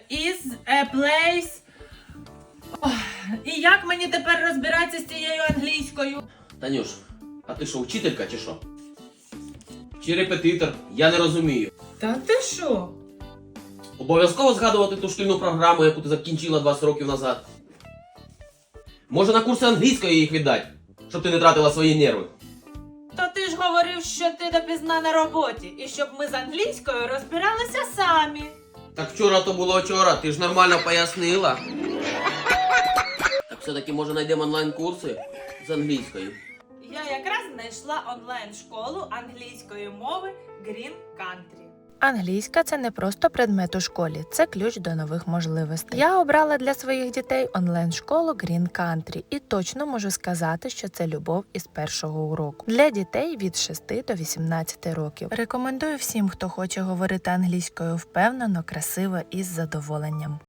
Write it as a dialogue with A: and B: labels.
A: is a place. Ох, і як мені тепер розбиратися з цією англійською?
B: Танюш, а ти що, вчителька чи що? Чи репетитор? Я не розумію.
A: Та ти що?
B: Обов'язково згадувати ту шкільну програму, яку ти закінчила 20 років назад. Може на курси англійської їх віддати, щоб ти не тратила свої нерви.
A: То ти ж говорив, що ти допізна на роботі, і щоб ми з англійською розбиралися самі.
B: Так вчора то було вчора, ти ж нормально пояснила. Так все-таки може знайдемо онлайн-курси з англійської.
A: Я якраз знайшла онлайн-школу англійської мови Green Country.
C: Англійська – це не просто предмет у школі, це ключ до нових можливостей. Я обрала для своїх дітей онлайн-школу Green Country і точно можу сказати, що це любов із першого уроку. Для дітей від 6 до 18 років. Рекомендую всім, хто хоче говорити англійською впевнено, красиво і з задоволенням.